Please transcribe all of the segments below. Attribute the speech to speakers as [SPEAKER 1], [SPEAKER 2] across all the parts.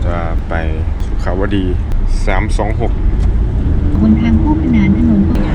[SPEAKER 1] จะไปสุขาวดี326
[SPEAKER 2] บนทางคู่ขนานถนน
[SPEAKER 3] ไม่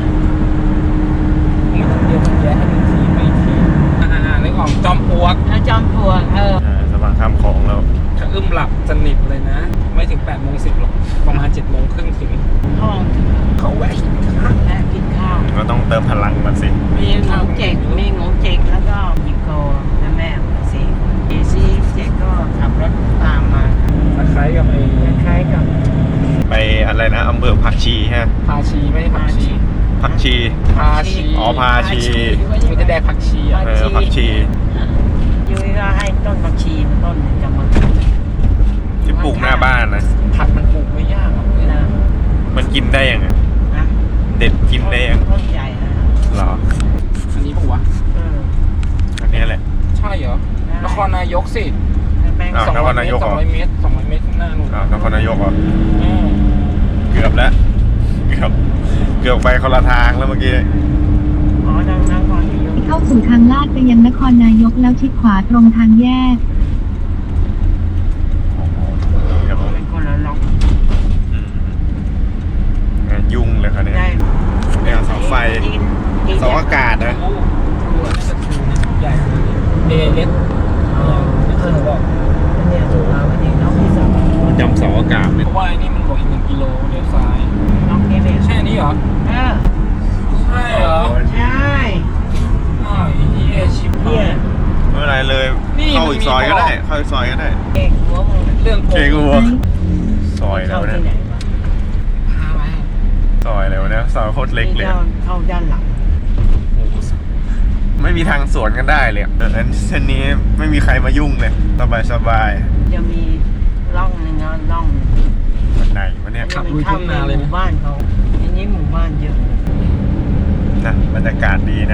[SPEAKER 3] ต้องเดียวมันแย่ให้มันทีไม่ทีนึกออกจอมปลวก
[SPEAKER 2] จอมปลวก
[SPEAKER 1] สะพานข้ามคลองแล้ว
[SPEAKER 3] ถ้าอึ้มหลับสนิทเลยนะ ไม่ถึง8:10หรอกประมาณ7:30ถึง
[SPEAKER 2] ห้อง
[SPEAKER 3] เขาแวะกินข้าว
[SPEAKER 2] และกินข้าว
[SPEAKER 1] ก็ต้องเติมพลังมาสิ
[SPEAKER 2] มีหมูเจ๊กแล้วก็ยิโกและแม่สี่คนเจ๊กก็ขับรถตามมา
[SPEAKER 3] คล้ายกับ
[SPEAKER 2] คล้ายกับ
[SPEAKER 1] ไปอะไรนะอำเภอผักชีฮะ
[SPEAKER 3] พาชีไม่ใช่ผักชี
[SPEAKER 1] ผักชี
[SPEAKER 3] พาชี
[SPEAKER 1] อ๋อพาชี
[SPEAKER 3] ไม่ได้แดกผักชีอ่ะ
[SPEAKER 1] ผักชี
[SPEAKER 2] ยุ้ยก็ให้ต้นผักชีต้นหนึ่งจะมา
[SPEAKER 1] ที่ปลูกหน้าบ้านนะ
[SPEAKER 3] ผักมันปลูกไม่ยากหรอกเลยนะ
[SPEAKER 1] มันกินได้ยังไง
[SPEAKER 2] นะ
[SPEAKER 1] เด็ดกินได้ยัง
[SPEAKER 2] ต้นใหญ่นะ
[SPEAKER 1] หรอ
[SPEAKER 3] อันนี้ปะวะ
[SPEAKER 1] อันนี้แหละ
[SPEAKER 3] ใช่เหรอนครนายกสิ
[SPEAKER 1] อ้าวนครนายกเหรอ
[SPEAKER 3] 200 เมตรข้างหน้านู่น
[SPEAKER 1] นครนายกเหรอเกือบแล้วเกือบไปคนละทางแล้วเมื่อกี้
[SPEAKER 2] อ๋อดังนั้นก่อนที่ยก
[SPEAKER 4] เข้าสู่ทางลาดไปยังนครนายกแล้วชิดขวาตรงทางแยก
[SPEAKER 1] ครับผม
[SPEAKER 2] เป็นคนละล็อก
[SPEAKER 1] ยุ่งเลยครับเนี่ย
[SPEAKER 2] ได้
[SPEAKER 1] เนี่ยเสาไฟเสาอากาศนะ
[SPEAKER 3] โอ้โหน่าจะถูกนะใหญ่เลยเอเอสบอก
[SPEAKER 2] เนี่ยถูกแล้ววันนี้น้องที่สอง
[SPEAKER 1] จำเสาอากาศ
[SPEAKER 3] เพ
[SPEAKER 1] เนี่ย
[SPEAKER 3] ราะว่าไอ้นี่มันบอกอีก1 กิโลเลี้ยวซ้าย
[SPEAKER 2] น้องนี่เลย
[SPEAKER 3] ใช่อันนี้เหรอ ใช่เหรอ
[SPEAKER 2] ใช่
[SPEAKER 3] อ้าวไอ้เหี้ยชิบหา
[SPEAKER 2] เนี่ย
[SPEAKER 3] ย
[SPEAKER 1] ไม่เป็นไรเลย
[SPEAKER 3] นี่
[SPEAKER 1] เข้าอีกซอยก็ได้เข้าอีกซอยก็ได้
[SPEAKER 2] เอกหัวมึง
[SPEAKER 3] เรื่องโก
[SPEAKER 1] เค
[SPEAKER 3] ง
[SPEAKER 1] กูวซอยแล้ว
[SPEAKER 2] เข้า
[SPEAKER 1] เนี่ย
[SPEAKER 2] ที่ไหนวะ
[SPEAKER 3] พาไป
[SPEAKER 1] ซอยแล้วเนี่ยซอยโคตรเล็กเลย
[SPEAKER 2] เข้าด้านหลัง
[SPEAKER 3] โอ้โห
[SPEAKER 1] ไม่มีทางสวนกันได้เลยอันเส้นนี้ไม่มีใครมายุ่งเลยสบาย
[SPEAKER 2] จะมีร่องหนึ่งนะร่อง
[SPEAKER 1] วันไหนวะเนี่ย
[SPEAKER 3] ขับลุยทุ่งนาเลย
[SPEAKER 2] หมู่
[SPEAKER 3] นะ
[SPEAKER 2] บ้านเขาอันนี้หมู่บ้านเยอะ
[SPEAKER 1] นะบรรยากาศดีนะ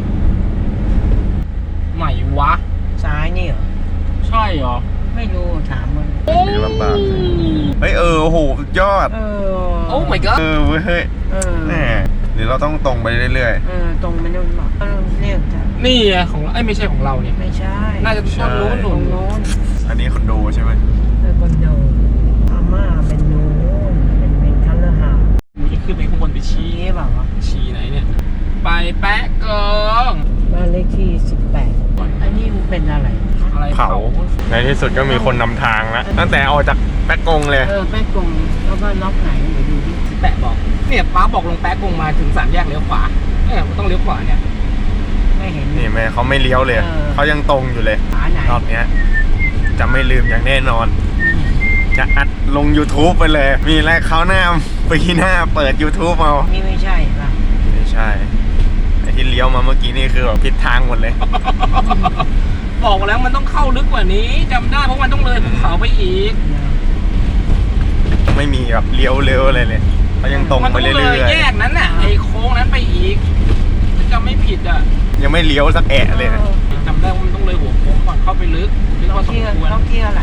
[SPEAKER 3] ใหม่วะ
[SPEAKER 2] ซ้ายนี่เหรอ
[SPEAKER 3] ใช่เหรอ
[SPEAKER 2] ไม่รู้ถามมัน
[SPEAKER 1] มีลำบากเฮ้ยโอ้โหสุดยอด
[SPEAKER 3] โอ้ my god
[SPEAKER 1] เว้ยเฮ้ยแน่หรือเราต้องตรงไปเรื่อย
[SPEAKER 2] ตรงไปนู่นบอกเรียกจ้ะ
[SPEAKER 3] นี่ไงของเราไม่ใช่ของเราเนี่ย
[SPEAKER 2] ไม่ใช่
[SPEAKER 3] น่าจะต้นนู้น
[SPEAKER 2] ต
[SPEAKER 3] หนุ
[SPEAKER 2] ร
[SPEAKER 3] น
[SPEAKER 2] งโน้น
[SPEAKER 1] ๆ อันนี้คอนโดใช่ไหม
[SPEAKER 2] คอนโดอาม่าเป็นโน้นเป็นคัลเลอร์เฮาส์
[SPEAKER 3] นี่ขึ้นไปข้างบนไปชี้
[SPEAKER 2] ชี้เปล่าวะ
[SPEAKER 3] ชี้ไหนเนี่ย ไปแปะเกิง
[SPEAKER 2] บ้านเลขที่18อันนี้มันเป็นอะไร
[SPEAKER 3] อะไร
[SPEAKER 1] เผาในที่สุดก็มีคนนำทางแล้วตั้งแต่ออกจากแป๊กกงเลย
[SPEAKER 2] แป้กงแล้วก็ล็อกไหนเดี๋ยวดูดิ
[SPEAKER 3] แปะบอกเนี่ยป้าบอกลงแปะกงมาถึง3 แยกเลี้ยวขวาเนี่ยมันต้องเลี้ยวขวาเนี่ย
[SPEAKER 2] ไม่เห็น
[SPEAKER 1] นี่แม่เขาไม่เลี้ยวเลย เขายังตรงอยู่เลย
[SPEAKER 2] ขาไหน
[SPEAKER 1] รอบเนี้ยจะไม่ลืมอย่างแน่นอน จะอัดลง YouTube ไปเลย มีแรกเขาวหน้าปีหน้าเปิด YouTube เอา
[SPEAKER 2] นี่ไม่ใช่ป่ะ
[SPEAKER 1] ไม่ใช่ไอ้ที่เลี้ยวมาเมื่อกี้นี่คือแบบผิดทางหมดเลย
[SPEAKER 3] บอกแล้วมันต้องเข้าลึกกว่านี้จำได้เพราะมันต้องเลยภูเขาไปอีก
[SPEAKER 1] ไม่มีแบบเลี้ยวเร็วอะไรเลยเขายังตรง
[SPEAKER 3] มัน
[SPEAKER 1] ไป
[SPEAKER 3] ต้อง
[SPEAKER 1] เรื่
[SPEAKER 3] เล
[SPEAKER 1] อย ย
[SPEAKER 3] แยกนั้นน่ะไอ้โค้งนั้นไปอีกจำไม่ผิดอ่ะ
[SPEAKER 1] ๆยังไม่เลี้ยวสักแอะเลยนะ
[SPEAKER 3] จำได้ว่ามันต้องเลยหัวโค้งก่อนเข้าไปลึกพอสมควร
[SPEAKER 2] ล็อกเที่ยวอะไร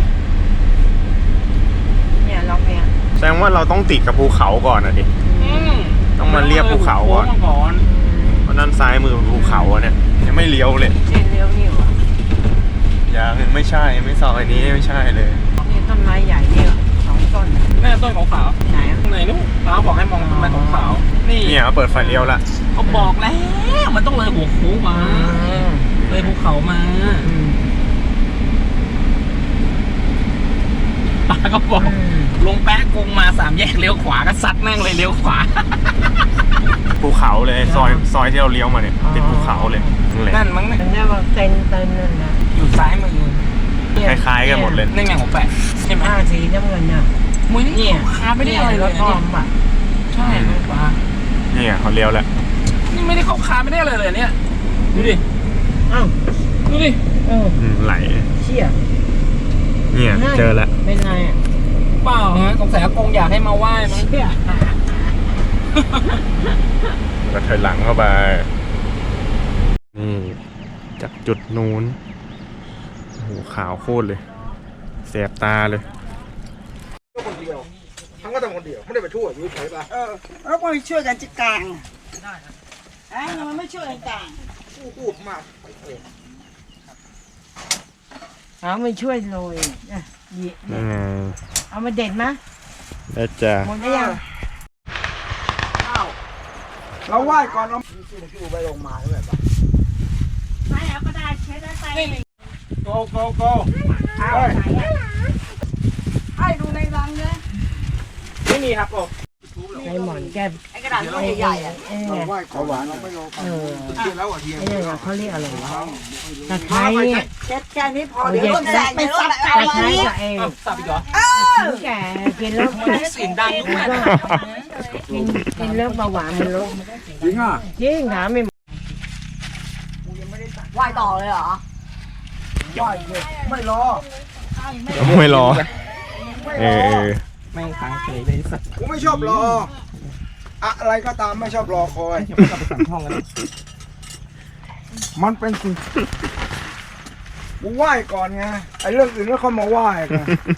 [SPEAKER 2] เนี่ยล็อกเนี่ย
[SPEAKER 1] แสดงว่าเราต้องติดกับภูเขาก่อนนะดิ ต้องมาเรียบภูเขาก่อน
[SPEAKER 3] ก่อน
[SPEAKER 1] เพราะนั่นซ้ายมือเป็นภูเขาอะเนี่ยยังไม่เลี้ยวเลย
[SPEAKER 2] เส้นเลี้ยวนี่หว่า
[SPEAKER 1] ยังไม่ใช่ไม่ซอยนี้ไม่ใช่เลย
[SPEAKER 2] นี่ต้นไม้ใหญ่นี่2 ต้น
[SPEAKER 3] แม่ต้นขาว
[SPEAKER 2] ไหน
[SPEAKER 3] ๆข้างในนู้นป้าบอกให้มองต้นไม้ขาวๆนี่
[SPEAKER 1] เนี่ยเปิดไฟเลี้ยวละ
[SPEAKER 3] เขาบอกแล้วมันต้องเลยหัวโค้งมาเลยภูเขามาป้าก็บอกลงแป๊ะกงมา3 แยกเลี้ยวขวาก็ซัดแม่งเลยเลี้ยวขวา
[SPEAKER 1] ภูเขาเลยซอยที่เราเลี้ยวมาเนี่ยติดภูเขาเลยนั่นแหละ
[SPEAKER 3] นั่นมั้งเนี่ย
[SPEAKER 2] มันเรียกว่าเต็นนั่นนะ
[SPEAKER 3] อยู่ซ้ายมือ
[SPEAKER 1] คล้ายๆกันหมดเลย
[SPEAKER 3] นั่นไงของแปะใช่ไหม
[SPEAKER 2] สีน้ำเงินน่ะ
[SPEAKER 3] มุ้ยนี่ค้าไม่ได้อะไรเลย
[SPEAKER 2] ทอมอ่ะ
[SPEAKER 3] ใช่ไหมป้า
[SPEAKER 1] เนี่ยเขาเลี้ยวแล้ว
[SPEAKER 3] นี่ไม่ได้เข้าค้าไม่ได้อะไรเลยเนี่ยดูดิ
[SPEAKER 2] อ้าว
[SPEAKER 3] ดูดิ
[SPEAKER 1] ไหล
[SPEAKER 2] เชี่ย
[SPEAKER 1] เนี่ยเจอแล้ว
[SPEAKER 2] เป็นไงอ่ะ
[SPEAKER 3] เปล่าฮะสงสัยอากงอยากให้มาไหว้มั้ง
[SPEAKER 2] เชี่ย
[SPEAKER 1] ก็ถอยหลังเข้าไปนี่จากจุดนู้นโอ้โหขาวโคตรเลยแสบตาเลย
[SPEAKER 3] คนเดียวทั้งก็ทำคนเดียวไม่ได้ไปทั่วอยู่เฉยป่ะ
[SPEAKER 2] แล้วก็ช่วยกันจิกกลางไอ้มันไม่ช่วยกันกลาง
[SPEAKER 3] พูดมาก
[SPEAKER 2] เอาไม่ช่วยโรย
[SPEAKER 1] นี่ไง
[SPEAKER 2] เอามาเด็ดมะ
[SPEAKER 1] ได้จ้ะ
[SPEAKER 2] หมดได้ยัง
[SPEAKER 5] เราไหว้ก่อนเรา
[SPEAKER 2] ไม่เอาก็ได้เช็ดได้ไป
[SPEAKER 5] โกโกโก
[SPEAKER 2] ให้ดูในรังเลย
[SPEAKER 3] ไม่มีครับผม
[SPEAKER 2] ในหมอนแก้ไอ้กระดาษลูกใหญ่ๆอ่ะ
[SPEAKER 5] เราไหว้ขอหวานเราไม่รอเทียนแล้วอ่ะเทียน
[SPEAKER 2] ไอ้เนี่ยเขาเรียกอะไรวะตะไคร้เนี่ย
[SPEAKER 6] เช็ดแค่นี้พอเดี๋ยวรถแซงไปซับ
[SPEAKER 2] ตะ
[SPEAKER 6] เอา
[SPEAKER 2] ไคร้
[SPEAKER 6] อีก
[SPEAKER 2] กับไอ้
[SPEAKER 3] สับอีกเหรอ
[SPEAKER 2] ถึงแก่กินแล้ว
[SPEAKER 3] เสียงดังลูกแม่
[SPEAKER 2] กินแล้วเบาหวานมันลด
[SPEAKER 5] จริงอ่ะ
[SPEAKER 2] จริงถามไม่
[SPEAKER 6] ไหว้ต่อเลยเหรอ
[SPEAKER 5] ไม่รอ
[SPEAKER 1] ไม่รอเออ
[SPEAKER 3] แม่งค้างเฉยเลยสัตว์
[SPEAKER 5] กูไม่ชอบรออะไรก็ตามไม่ชอบรอคอย
[SPEAKER 3] ยังไม่กลับไปสั่งห้องกันเลย
[SPEAKER 5] มันเป็นสิ่งกูไหว้ก่อนไงไอ้เรื่องอื่นแล้วเขามาไหว้กัน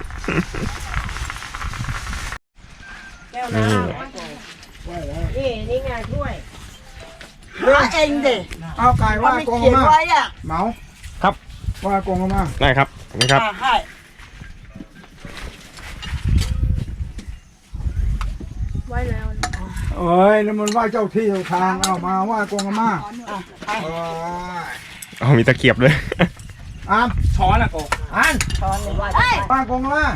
[SPEAKER 1] นี่
[SPEAKER 2] นี่ไงถ้วย
[SPEAKER 6] หาเองดิ
[SPEAKER 5] เอาไก่ไหว้
[SPEAKER 6] ไม่
[SPEAKER 5] กง
[SPEAKER 6] เขียน
[SPEAKER 5] มา
[SPEAKER 6] ไว้อ่ะ
[SPEAKER 5] เหมา
[SPEAKER 1] ครับ
[SPEAKER 5] ไหว้กงมา
[SPEAKER 1] ได้ครับขอบคุณครับ
[SPEAKER 6] ให้
[SPEAKER 5] เอ้ยนั่นมันไหว้เจ้าที่เจ้าทางเอามาไหว้กงมา
[SPEAKER 1] เอามีตะเกียบเลย
[SPEAKER 5] อ่าน
[SPEAKER 3] ช้อนอะโก
[SPEAKER 5] อ่าน ไหว้กงมา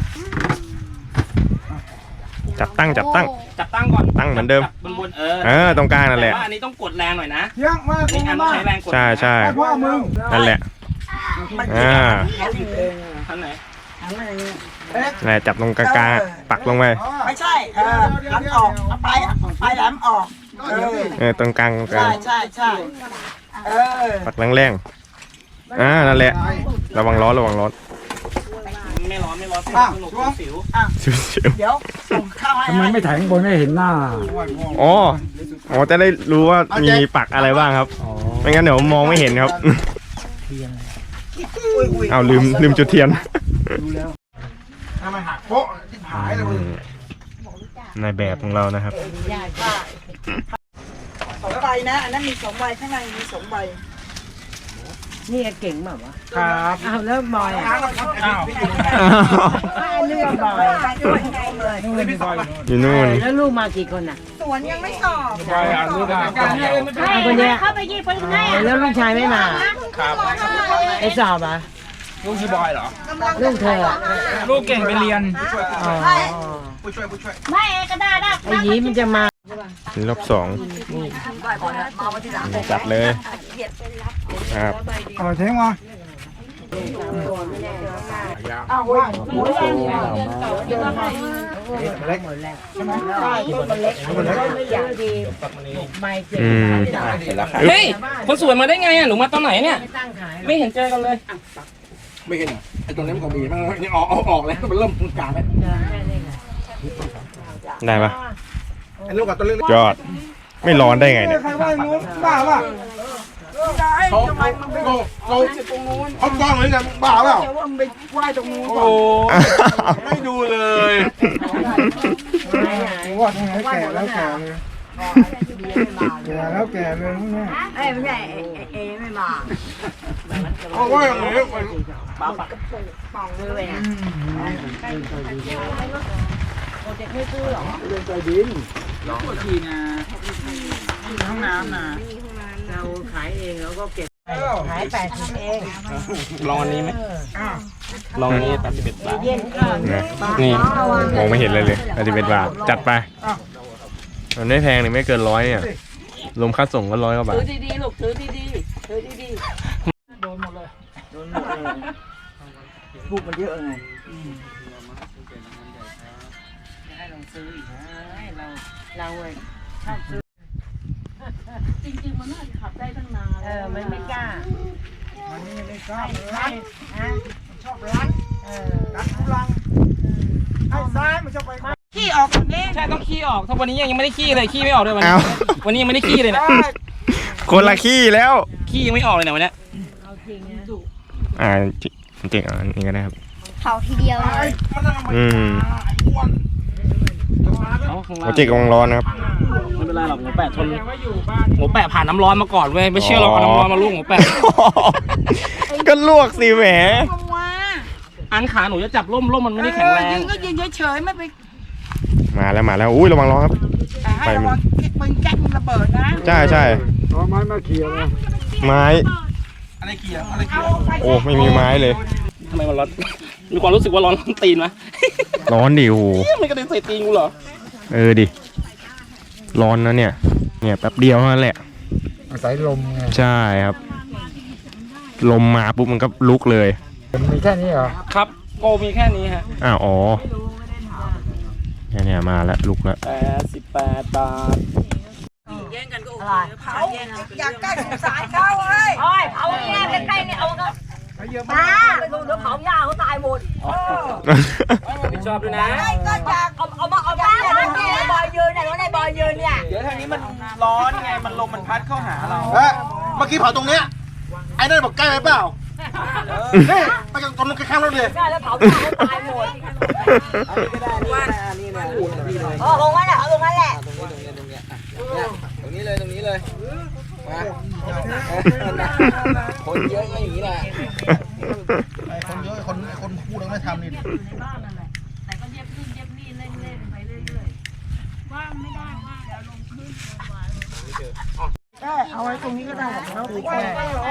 [SPEAKER 1] จับตั้ง
[SPEAKER 3] จับตั้งก่อน
[SPEAKER 1] ตั้งเหมือนเดิม
[SPEAKER 3] จับบน
[SPEAKER 1] ตรงกลางนั่นแหละ
[SPEAKER 3] ว่าอันนี้ต้องกดแรงหน่อยนะ
[SPEAKER 5] เที่ยงไหว้ก
[SPEAKER 3] นี่
[SPEAKER 5] ง
[SPEAKER 3] อันต้อ
[SPEAKER 5] มาง
[SPEAKER 3] ใช้แรงกด
[SPEAKER 1] ใช่ใช่
[SPEAKER 5] ให้พ่อมึง
[SPEAKER 1] นั่นแหละอ่า
[SPEAKER 3] ท่านไหน
[SPEAKER 1] นั่นแหละจับตรงกลางๆปักลงไป
[SPEAKER 6] ไม่ใช่หันออกเอาไปแหลมออก
[SPEAKER 1] ตรงกลาง
[SPEAKER 6] ใช่
[SPEAKER 1] ปักแรงๆนั่นแหละระวังร้อน
[SPEAKER 3] ไม่ร้อนสนุกสิว
[SPEAKER 1] ชิว
[SPEAKER 6] เดี๋ยวส่งข้าวให้
[SPEAKER 5] ทำไมไม่ถ่ายข้างบนให้เห็นหน้า
[SPEAKER 1] ๆอ๋อจะได้รู้ว่ามีปักอะไรบ้างครับไม่งั้นเดี๋ยวมองไม่เห็นครับเอาลืมจุดเทียน
[SPEAKER 5] ทำไมหักโป๊ะที่หายเลยมึง
[SPEAKER 1] ในแบบของเรานะครับ
[SPEAKER 6] 2 ใบนะอันนั้นมี2 ใบข้างในมี2 ใบ
[SPEAKER 2] นี่เก่งแบบวะ
[SPEAKER 5] ครับ
[SPEAKER 2] อ้าวแล้วบอยอ่ะ
[SPEAKER 3] อ้าว
[SPEAKER 2] เรื่องบอย
[SPEAKER 1] อยู่นู่น
[SPEAKER 2] แล้วลูกมากี่คนอ่ะ
[SPEAKER 6] สวนยังไม่สอบ
[SPEAKER 5] ไปอ่านรู้ได้
[SPEAKER 2] คนเนี้ยเข้าไปยี่คนให้แล้วลูกชายไม่มา
[SPEAKER 3] ครับ
[SPEAKER 2] ไอ้สอบอ่ะ
[SPEAKER 3] ลูกพี่บอยเหรอ
[SPEAKER 2] ลูกเธออ่ะ
[SPEAKER 3] ลูกเก่งไปเรียน
[SPEAKER 2] อ๋อ
[SPEAKER 5] ผู้ช่วย
[SPEAKER 2] ไอ้ยีมันจะมา
[SPEAKER 1] รอบสองจัดเลยครับ
[SPEAKER 5] เอาเทงมา เล็กใช่ไหม
[SPEAKER 2] ใช่ต้นมันเล็กต้นไม่ใหญ่ดีใบเจ็บ
[SPEAKER 3] เฮ้ยคนสวยมาได้ไงอ่ะหนูมาตอนไหนเนี่ย
[SPEAKER 2] ไม่ตั้งขาย
[SPEAKER 3] ไม่เห็นเจอกันเลย
[SPEAKER 5] ไม่เห็นไอ้ตรงนี้มันก็มีมันยังออกเลยมันเริ่มตรงกลางแล้ว
[SPEAKER 1] ได้ปะ
[SPEAKER 5] ไอ้ลูกกับตัวเล็ก
[SPEAKER 1] ยอดไม่ร้อนได้ไงเนี่ย
[SPEAKER 5] ใครว่านู้นบ้าป่ะเขากล้องเลยกันบ้าเปล่า
[SPEAKER 6] เดี๋ยวว่ามันไปไหว้ตรงนู้น
[SPEAKER 5] โอ้ไม่ดูเลยว่าทำไมแก่แล้วแก่เลยแก่แล้วแก่เลยนี่
[SPEAKER 6] ไม่ใช่เอไม่มา
[SPEAKER 5] เขาว่าอย่างนี้
[SPEAKER 6] ป่องเลยอ่ะ
[SPEAKER 5] ใจดิน
[SPEAKER 3] ห้องน้ำนะ
[SPEAKER 2] เราขายเองแล้วก็เก็บขาย80เอง
[SPEAKER 3] ลองอันนี้ไหมลองอันนี้81 บาท
[SPEAKER 2] เย็นก็
[SPEAKER 1] นะนี่มองไม่เห็นเลย11 บาทจัดไปมันไม่แพงนี่ไม่เกิน100เนี่ยรวมค่าส่งก็100 กว่าบาท
[SPEAKER 6] ถือดีๆลูกถือดีๆถือดีๆโดนหมดเลยลูกมันเยอะไง
[SPEAKER 2] ให้ลองซื้ออีกนะเราชอบซื้อ
[SPEAKER 6] จริงๆมันน่าจะขับได้ตั้งนาน
[SPEAKER 2] มันไม่กล้า
[SPEAKER 5] มันนี่ไม่ทราบ
[SPEAKER 2] รัดฮะ
[SPEAKER 5] ชอบรัดรัดทุลังให้ซ้ายมันชอบไป
[SPEAKER 6] ขี้ออกตรงนี้
[SPEAKER 3] ใช่ต้องขี้ออกถ้าวันนี้ยังไม่ได้ขี้เลยขี้ไม่ออกเลยวันนี้
[SPEAKER 1] เอา
[SPEAKER 3] วันนี้ยังไม่ได้ขี้เลยเนี่ย
[SPEAKER 1] คนละขี้แล้ว
[SPEAKER 3] ขี้ยังไม่ออกเลยเนี่ยวันเนี้ย
[SPEAKER 2] เอาจริงนะ
[SPEAKER 1] จริงอันนี้ก็ได้ครับ
[SPEAKER 4] เขาทีเดียวเลย
[SPEAKER 1] โปรเจกต์กำลังร้อนนะครับ
[SPEAKER 3] ไม่เป็นไรหรอกหมูแปะทนหมูแปะผ่านน้ำร้อนมาก่อนเว้ยไม่เชื่อหรอกเอาน้ำร้อนมาลวกหมูแปะ
[SPEAKER 1] ก็ลวกสิแหม
[SPEAKER 3] อันขาหนูจะจับร่มมันไม่ได้แข็งแรง
[SPEAKER 6] ยิงก็ยิงเฉยๆไม่ไป
[SPEAKER 1] มาแล้วอุ้ยระวังร้อนครับ
[SPEAKER 6] แต่ให้ระวังปืนแก๊กมันระเบิดนะ
[SPEAKER 1] ใช่
[SPEAKER 5] เอาไม้มาเขี่ยมา
[SPEAKER 1] ไม้
[SPEAKER 3] อะไรเกี่ยวอะไรเกี่ยว
[SPEAKER 1] โอ้ไม่มีไม้เลย
[SPEAKER 3] ทำไมมันร้อน มีความรู้สึกว่าร้อนตีนไหม
[SPEAKER 1] ร้อนดิโอ้โห
[SPEAKER 3] ไม่กระเด็นใส่ตีนกูเหรอ
[SPEAKER 1] ดิร้อนนะเนี่ยแป๊บเดียวเท่านั้นแหละ
[SPEAKER 5] อาศัยลมไง
[SPEAKER 1] ใช่ครับ ลมมาปุ๊บมันก็ลุกเลย
[SPEAKER 5] มีแค่นี้เหรอ
[SPEAKER 3] ครับโกมีแค่นี้ฮะ
[SPEAKER 1] อ๋อเนี่ยมาแล้วลุกแล้ว
[SPEAKER 3] 88 บาท
[SPEAKER 6] เขาอยากใกล้สงสารเขาเฮ้ย
[SPEAKER 7] โอ้ยเผาแย่ใกล้ๆเนี่ยเอาก็ตาไปดูเดี๋ยวเผาหญ้าเขาตายหมด
[SPEAKER 3] ผิดชอบด้วยนะ
[SPEAKER 6] ก็อยาก
[SPEAKER 7] เอามาเนี่ยในบอยยืนเนี่ยในบอยยืนเนี่ย
[SPEAKER 3] เดี๋ยวทางนี้มันร้อนไง มันลมมันพัดเข้าหาเรา
[SPEAKER 8] เมื่อกี้เผาตรงเนี้ยไอ้นั่นบอกใกล้ไปเปล่านี่ไปกันตรงนู้นข้างๆรถเลย
[SPEAKER 7] ใช่แล้วเผาหญ้าเขาตายหมดลงงั้นแหละเอาลงงั้นแหละ
[SPEAKER 8] ตรงนี้เลยมาคนเยอะก็อย่างนี้แหละคนเยอะคนพูดแล้วไม่ทำนี่
[SPEAKER 6] เอาไว้ตรงนี้ก็ได้แล้วติดแม่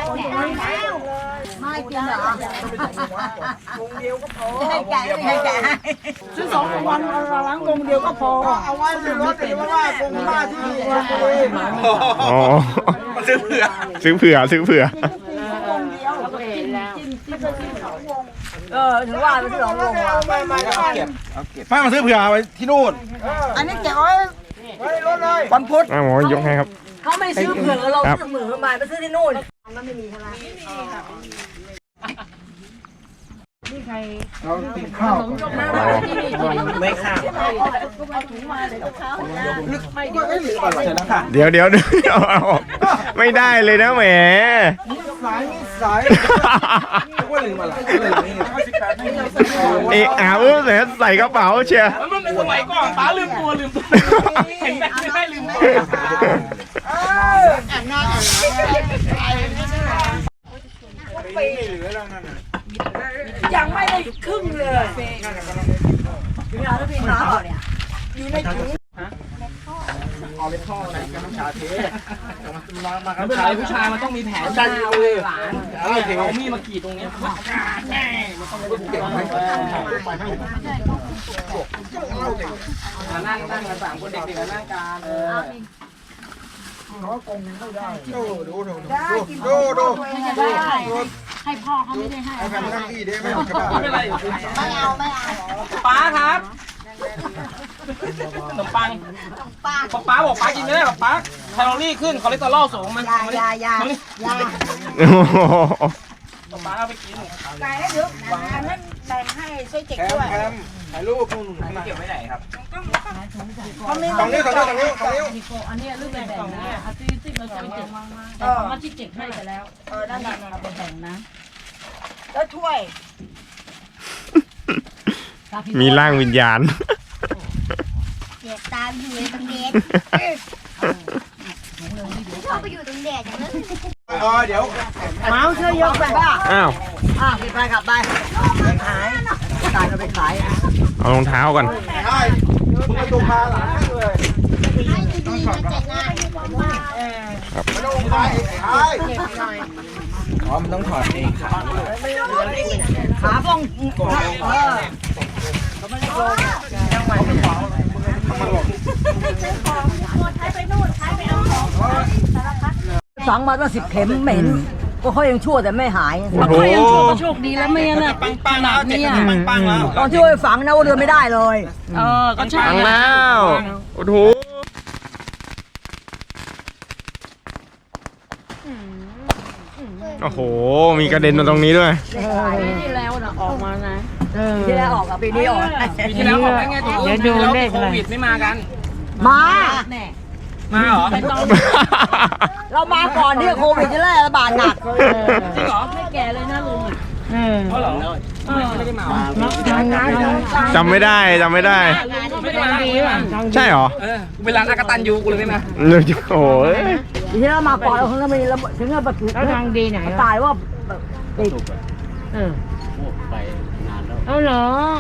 [SPEAKER 7] ไม่กินเหรอให้แกะ
[SPEAKER 6] ซื้อ2 วันเราล้างกงเดียวก็พอเอาไว้ในรถแต่ว่ากงมาที่นี่
[SPEAKER 1] อ๋อ
[SPEAKER 3] ซื้อเผื่อ
[SPEAKER 1] ซื้อเผื่อ
[SPEAKER 7] ถือว่าเป็นสองวง
[SPEAKER 8] ไม่มาซื้อเผื่อไว้ที่นู่น
[SPEAKER 6] อันนี้เก็บไว้ในรถเลยวันพุธ
[SPEAKER 1] หมอยกให้ครับ
[SPEAKER 7] เขาไม่ซื้อเผื่อเราซื้อเหมือนมาไปซื้อที่นู่นมันไม่มีใช่ไหม
[SPEAKER 5] เรากินข้าวก่อน
[SPEAKER 3] ไม่ค่ะ
[SPEAKER 1] เดี๋ยวเอาออกไม่ได้เลยนะแหม
[SPEAKER 5] สาย
[SPEAKER 8] ว่าลืมอะไร
[SPEAKER 1] ใส่กระเป๋าเชียร์
[SPEAKER 3] มันเป็นสมัยก่อนป้าลืมตัวเห็นแบบไม่ได้ลืมตัว
[SPEAKER 7] ยังไม่ได้ครึ่งเลยพี่เอาแล้วพี่หาเปล่าเนี่ย
[SPEAKER 3] ผู้ชายมันต้องมีแผนการเลยหลานเอามีดมากรีดตรงนี้นั่งกัน3 คนเด็กๆนั่งกัน
[SPEAKER 5] ดู
[SPEAKER 7] ให้พ่อเขาไม่ได้ให้
[SPEAKER 5] เอาแบบนั่งที่ได้ไหมใช่ป่ะ
[SPEAKER 3] ไม่เป็นไร
[SPEAKER 7] ไม่เอา
[SPEAKER 3] ป้าครับขนมปังป้าบอกป้ากินไม่ได้หรอกป้าแคลอรี่ขึ้นคอเลสเตอรอลสูงมัน
[SPEAKER 6] ยา
[SPEAKER 3] ป้าเอาไปกิน
[SPEAKER 6] ไก่เดี๋ยวอันนั้นแบ่งให้ช่วยเจ็กด้วย
[SPEAKER 8] ถ่ายรูป
[SPEAKER 3] เก็บไว้ไหนครับ
[SPEAKER 6] เขาไม่
[SPEAKER 8] สองนิ้ว
[SPEAKER 7] อันนี้เรื่องแบ่งนะเอาที่เราจะไปเจ็บแต่มาที่เจ็บให้ไปแล้ว
[SPEAKER 6] นั่น
[SPEAKER 7] เอาไปแบ่งนะ
[SPEAKER 6] แล้วถ้วย
[SPEAKER 1] มีร่างวิญญาณ
[SPEAKER 9] เด็กตามอยู่ในตรงเด็กชอบไปอยู่ตรงเด็กอย่างนั้น
[SPEAKER 8] เดี๋ยว
[SPEAKER 6] เมาช่วยยกไปบ้า
[SPEAKER 1] อ้าว
[SPEAKER 6] ไปกลับไปขายตายเราไปขาย
[SPEAKER 1] เอารองเท้าก่อน
[SPEAKER 8] ใช่มึงมาดูพาหลานเลย
[SPEAKER 9] ให้ดีๆเลยเจ็ดนะ
[SPEAKER 8] ไม่ต้องไปใช่อ๋อมันต้องถอดเองครับ
[SPEAKER 6] ขาป้องฝังมาตั้ง10 เข็มเหม็นก็เขายังชั่วแต่ไม่หาย
[SPEAKER 1] โอ้โห
[SPEAKER 7] โชคดีแล้วไม่งั้นน่ะ
[SPEAKER 3] ปังแล้วเจ็บปังแล้ว
[SPEAKER 6] ตอนช่วยฝังนะว่าเดินไม่ได้เลย
[SPEAKER 3] ก็ใช่
[SPEAKER 1] ฟังแล้วโอ้โหโอ้โห มีกระเด็นมาตรงนี้ด้วย
[SPEAKER 7] ที่แล้วน่ะออกมานะ
[SPEAKER 6] ที่แล้วออกปีนี้ออก
[SPEAKER 3] ปีที่แล้วบอกได้ไงตัวเดี๋ยวดูเลขโควิดไม่มากัน
[SPEAKER 6] มา
[SPEAKER 3] มาเหรอ
[SPEAKER 6] เรามาก่อนที่โควิดจะระบาดหนัก
[SPEAKER 3] จริงเหรอ
[SPEAKER 7] ไม่แก่เลยนะลุง
[SPEAKER 3] เพราะเหรอไม่ได้มา
[SPEAKER 1] จำไม่ได้
[SPEAKER 3] ไม่ได้มา
[SPEAKER 1] ใช่เหรอ
[SPEAKER 3] กูเป็นร้านอากาตันยูกูเลยไม่มา
[SPEAKER 1] โอ้ย
[SPEAKER 6] ที่เรามาก่อนเราคงจะมีถึงกับแบบ
[SPEAKER 7] แล้วทางดีไหน
[SPEAKER 6] ตายว่าติด
[SPEAKER 2] เอาเหรอ